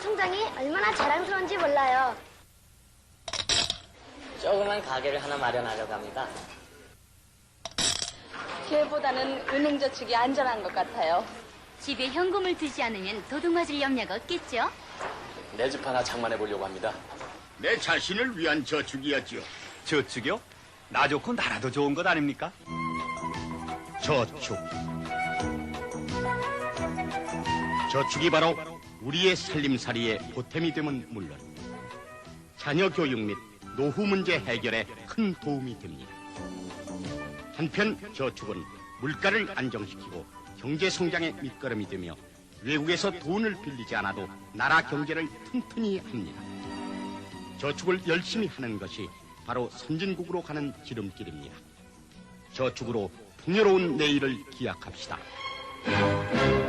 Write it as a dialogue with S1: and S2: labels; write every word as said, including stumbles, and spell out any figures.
S1: 통장이 얼마나 자랑스러운지 몰라요.
S2: 조그만 가게를 하나 마련하려고 합니다.
S3: 기회보다는 은행저축이 안전한 것 같아요.
S4: 집에 현금을 두지 않으면 도둑 맞을 염려가 없겠죠?
S5: 내 집 하나 장만해 보려고 합니다.
S6: 내 자신을 위한 저축이었죠.
S7: 저축이요? 나 좋고 나라도 좋은 것 아닙니까?
S6: 저축. 저축이 바로 우리의 살림살이에 보탬이 되면 물론 자녀 교육 및 노후 문제 해결에 큰 도움이 됩니다. 한편 저축은 물가를 안정시키고 경제 성장의 밑거름이 되며 외국에서 돈을 빌리지 않아도 나라 경제를 튼튼히 합니다. 저축을 열심히 하는 것이 바로 선진국으로 가는 지름길입니다. 저축으로 풍요로운 내일을 기약합시다.